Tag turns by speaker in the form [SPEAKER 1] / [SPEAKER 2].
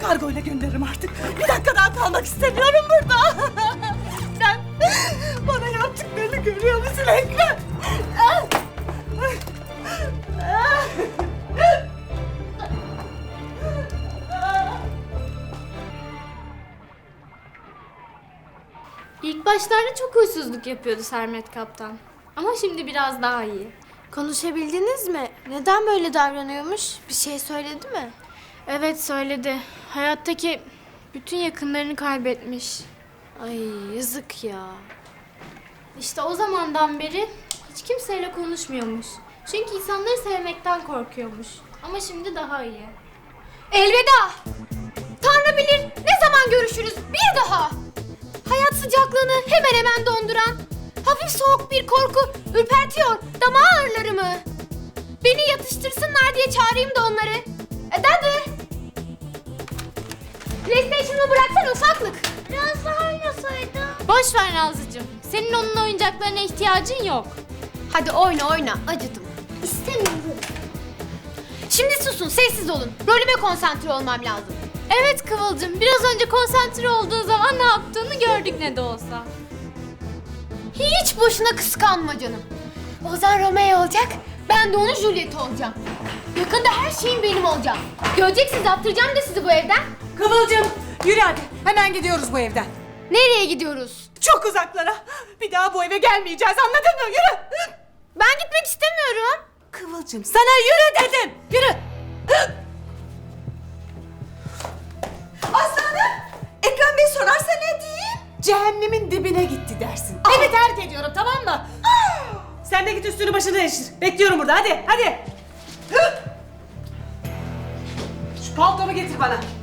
[SPEAKER 1] Kargoyla gönderirim artık. Bir dakika daha kalmak istemiyorum burada. Sen bana yaptıklarını görüyor musun Ekrem?
[SPEAKER 2] İlk başlarda çok huysuzluk yapıyordu Sermet Kaptan. Ama şimdi biraz daha iyi.
[SPEAKER 3] Konuşabildiniz mi? Neden böyle davranıyormuş? Bir şey söyledi mi?
[SPEAKER 2] Evet söyledi. Hayattaki bütün yakınlarını kaybetmiş.
[SPEAKER 3] Ay yazık ya.
[SPEAKER 2] İşte o zamandan beri hiç kimseyle konuşmuyormuş. Çünkü insanları sevmekten korkuyormuş. Ama şimdi daha iyi.
[SPEAKER 4] Elveda! Tanrı bilir ne zaman görüşürüz bir daha! Hayat sıcaklığını hemen hemen donduran, hafif soğuk bir korku ürpertiyor dama ağrılarımı. Beni yatıştırsınlar diye çağırayım da onları. Dadı! PlayStation'ımı bıraksana ufaklık.
[SPEAKER 3] Biraz daha oynasaydın.
[SPEAKER 2] Boş ver Nazlıcığım. Senin onun oyuncaklarına ihtiyacın yok.
[SPEAKER 4] Hadi oyna oyna, acıdım.
[SPEAKER 3] İstemiyorum.
[SPEAKER 4] Şimdi susun, sessiz olun. Rolüme konsantre olmam lazım.
[SPEAKER 2] Evet Kıvılcım, biraz önce konsantre olduğun zaman ne yaptığını gördük ne de olsa.
[SPEAKER 4] Hiç boşuna kıskanma canım. Ozan Romeo olacak, ben de onun Juliet olacağım. Yakında her şeyin benim olacak. Göreceksiniz, attıracağım da sizi bu evden.
[SPEAKER 1] Kıvılcım yürü hadi. Hemen gidiyoruz bu evden.
[SPEAKER 4] Nereye gidiyoruz?
[SPEAKER 1] Çok uzaklara. Bir daha bu eve gelmeyeceğiz, anladın mı? Yürü.
[SPEAKER 4] Ben gitmek istemiyorum.
[SPEAKER 1] Kıvılcım sana yürü dedim. Yürü. Aslanım. Ekrem Bey sorarsa ne diyeyim? Cehennemin dibine gitti dersin. Evi terk ediyorum, tamam mı? Sen de git üstünü başını değiştir. Bekliyorum burada, hadi hadi. Şu paltomu getir bana.